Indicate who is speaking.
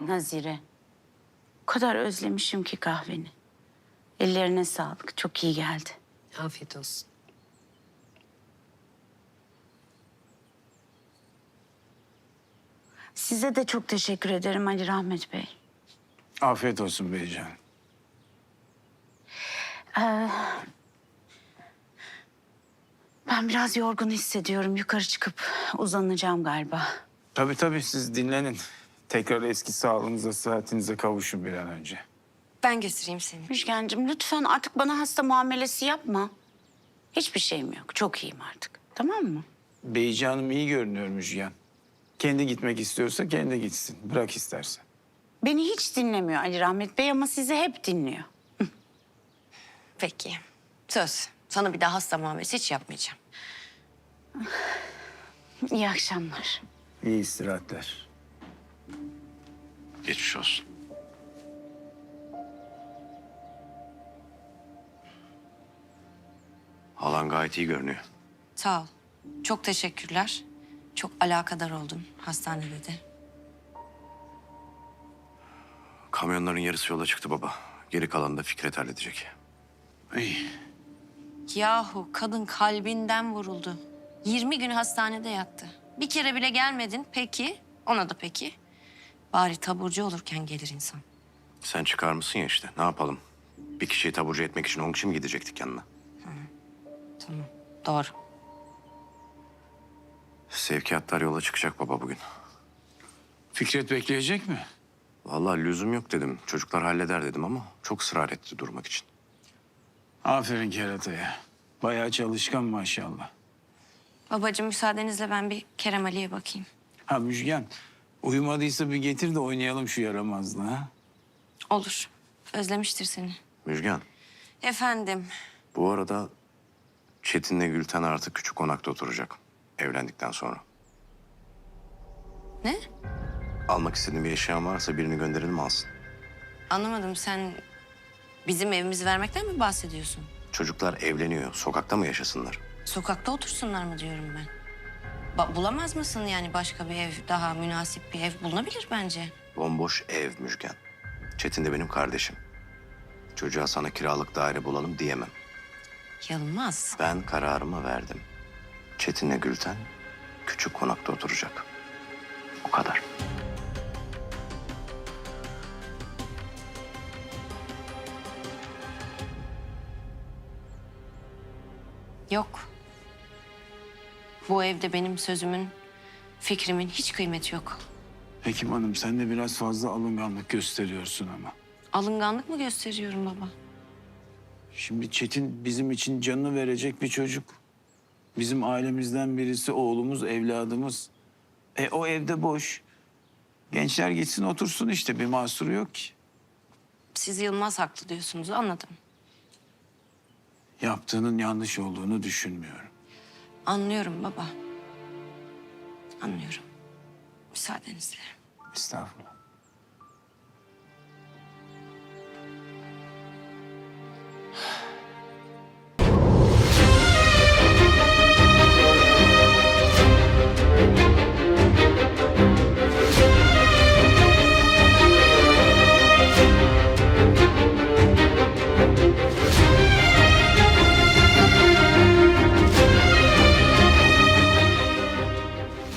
Speaker 1: Nazire. O kadar özlemişim ki kahveni. Ellerine sağlık. Çok iyi geldi.
Speaker 2: Afiyet olsun.
Speaker 1: Size de çok teşekkür ederim Ali Rahmet Bey.
Speaker 3: Afiyet olsun beycan.
Speaker 1: Ben biraz yorgun hissediyorum. Yukarı çıkıp uzanacağım galiba.
Speaker 3: Tabii siz dinlenin. Tekrar eski sağlığınıza, sıhhatinize kavuşun bir an önce.
Speaker 2: Ben götüreyim seni.
Speaker 1: Müjgancığım lütfen artık bana hasta muamelesi yapma. Hiçbir şeyim yok. Çok iyiyim artık. Tamam mı?
Speaker 3: Beycanım iyi görünüyor Müjgan. Kendi gitmek istiyorsa kendi gitsin. Bırak istersen.
Speaker 1: Beni hiç dinlemiyor Ali Rahmet Bey ama sizi hep dinliyor.
Speaker 2: Peki. Söz. Sana bir daha hasta muamelesi hiç yapmayacağım.
Speaker 1: İyi akşamlar.
Speaker 3: İyi istirahatler.
Speaker 4: Geçmiş olsun. Halan gayet iyi görünüyor.
Speaker 2: Sağ ol. Çok teşekkürler. Çok alakadar oldum hastanede de.
Speaker 4: Kamyonların yarısı yola çıktı baba. Geri kalanını da Fikret halledecek.
Speaker 3: İyi.
Speaker 2: Yahu kadın kalbinden vuruldu. 20 gün hastanede yattı. Bir kere bile gelmedin. Peki. Ona da peki. Bari taburcu olurken gelir insan.
Speaker 4: Sen çıkar mısın ya işte. Ne yapalım? Bir kişiyi taburcu etmek için 10 kişi mi gidecektik yanına?
Speaker 2: Tamam. Doğru.
Speaker 4: Sevkiyatlar yola çıkacak baba bugün.
Speaker 3: Fikret bekleyecek mi?
Speaker 4: Vallahi lüzum yok dedim. Çocuklar halleder dedim ama çok ısrar etti durmak için.
Speaker 3: Aferin kerataya. Bayağı çalışkan maşallah.
Speaker 2: Babacığım müsaadenizle ben bir Kerem Ali'ye bakayım.
Speaker 3: Ha Müjgan, uyumadıysa bir getir de oynayalım şu yaramazlığı ha.
Speaker 2: Olur. Özlemiştir seni.
Speaker 4: Müjgan,
Speaker 2: Efendim.
Speaker 4: bu arada Çetin'le Gülten artık küçük konakta oturacak. Evlendikten sonra.
Speaker 2: Ne?
Speaker 4: Almak istediğin bir eşyan varsa birini gönderelim alsın.
Speaker 2: Anlamadım. Sen bizim evimizi vermekten mi bahsediyorsun?
Speaker 4: Çocuklar evleniyor. Sokakta mı yaşasınlar?
Speaker 2: Sokakta otursunlar mı diyorum ben. Bulamaz mısın yani başka bir ev, daha münasip bir ev bulunabilir bence.
Speaker 4: Bomboş ev Müjgan. Çetin de benim kardeşim. Çocuğa sana kiralık daire bulalım diyemem.
Speaker 2: Yılmaz.
Speaker 4: Ben kararımı verdim. Çetin'le Gülten küçük konakta oturacak. O kadar.
Speaker 2: Yok. Bu evde benim sözümün, fikrimin hiç kıymeti yok.
Speaker 3: Hekim Hanım sen de biraz fazla alınganlık gösteriyorsun ama.
Speaker 2: Alınganlık mı gösteriyorum baba?
Speaker 3: Şimdi Çetin bizim için canını verecek bir çocuk. Bizim ailemizden birisi, oğlumuz, evladımız. O evde boş. Gençler gitsin otursun işte, bir mahsuru yok ki.
Speaker 2: Siz Yılmaz haklı diyorsunuz, anladım.
Speaker 3: Yaptığının yanlış olduğunu düşünmüyorum.
Speaker 2: Anlıyorum baba. Anlıyorum. Müsaadenizle.
Speaker 3: Estağfurullah.